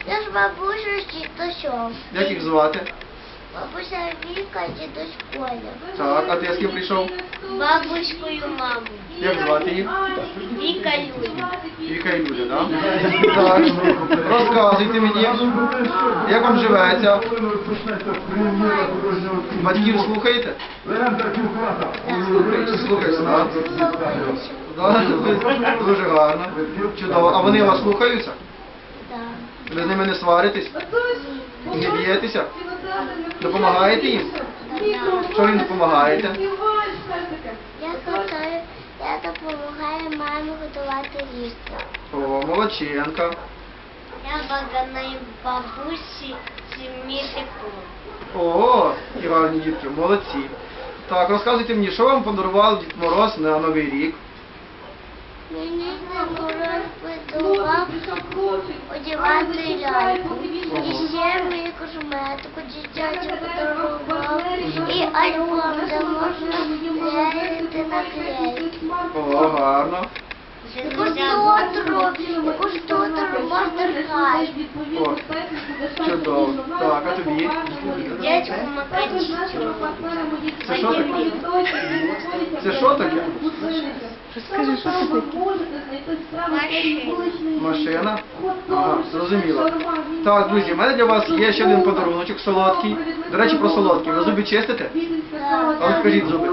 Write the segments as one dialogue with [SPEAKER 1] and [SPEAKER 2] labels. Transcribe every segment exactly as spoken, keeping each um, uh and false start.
[SPEAKER 1] Я ж бабуся з дідусем.
[SPEAKER 2] Як їх звати?
[SPEAKER 1] Бабуся Віка, дідусь Коля.
[SPEAKER 2] Так, а ти з ким прийшов?
[SPEAKER 1] Бабуською маму.
[SPEAKER 2] Як звати їх?
[SPEAKER 1] Віка Люда.
[SPEAKER 2] Віка і Люда, так? Так, розказуйте мені, як вам живеться? Батьків слухаєте? Слухаєте, слухаєте, так? Так, дуже гарно, чудово. А вони вас слухаються?
[SPEAKER 1] Так.
[SPEAKER 2] Ви з ними не сваритесь? Не б'єтеся? Допомагаєте їм? Що ви їм допомагаєте?
[SPEAKER 1] Я готую, я допомагаю мамі готувати їсти.
[SPEAKER 2] О, молодчинка.
[SPEAKER 1] Я баганаю бабусі зміти пол.
[SPEAKER 2] О, і гарні дітки, молодці. Так, розказуйте мені, що вам подарував Дід Мороз на Новий рік?
[SPEAKER 1] Мені Мороз подарував одягати ляльку. І ще мені косметику дитячу подарував. І альбом, де можна клеїти наклейки.
[SPEAKER 2] О, гарно.
[SPEAKER 1] Яку штутру, яку штутру Мастер-Хай.
[SPEAKER 2] О, чудово. Так, а тобі?
[SPEAKER 1] Дядьку Макарічу.
[SPEAKER 2] Це що таке? Це що таке?
[SPEAKER 3] Скажи, що це таке?
[SPEAKER 2] Машина? Ага, зрозуміло. Так, друзі, в мене для вас є ще один подаруночок солодкий. До речі, про солодкий. Ви зуби чистите? А от скажіть зуби.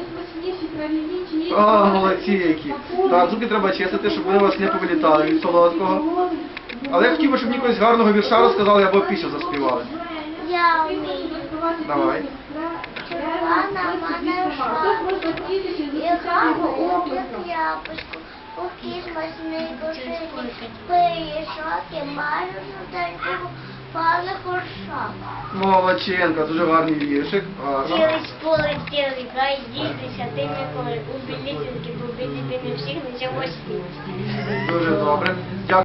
[SPEAKER 2] О, молодці які. Так, зуби треба чистити, щоб вони у вас не повилітали від солодкого. Але я хотів би, щоб мені якогось гарного вірша розказали або пісню заспівали.
[SPEAKER 1] Я вмію.
[SPEAKER 2] Давай.
[SPEAKER 1] Червона мене шапочку, і гаву у яблучку, у кізмасний душі, пиріжок, маю жуденьку, пали хоршак.
[SPEAKER 2] Молодчинка, дуже гарний віршик. Гарно.
[SPEAKER 1] Цілий споли, цілий гай, дізнися, ти Миколи, у білісінки, побити ти не всіх, не цього світі.
[SPEAKER 2] Дуже добре. Дякую.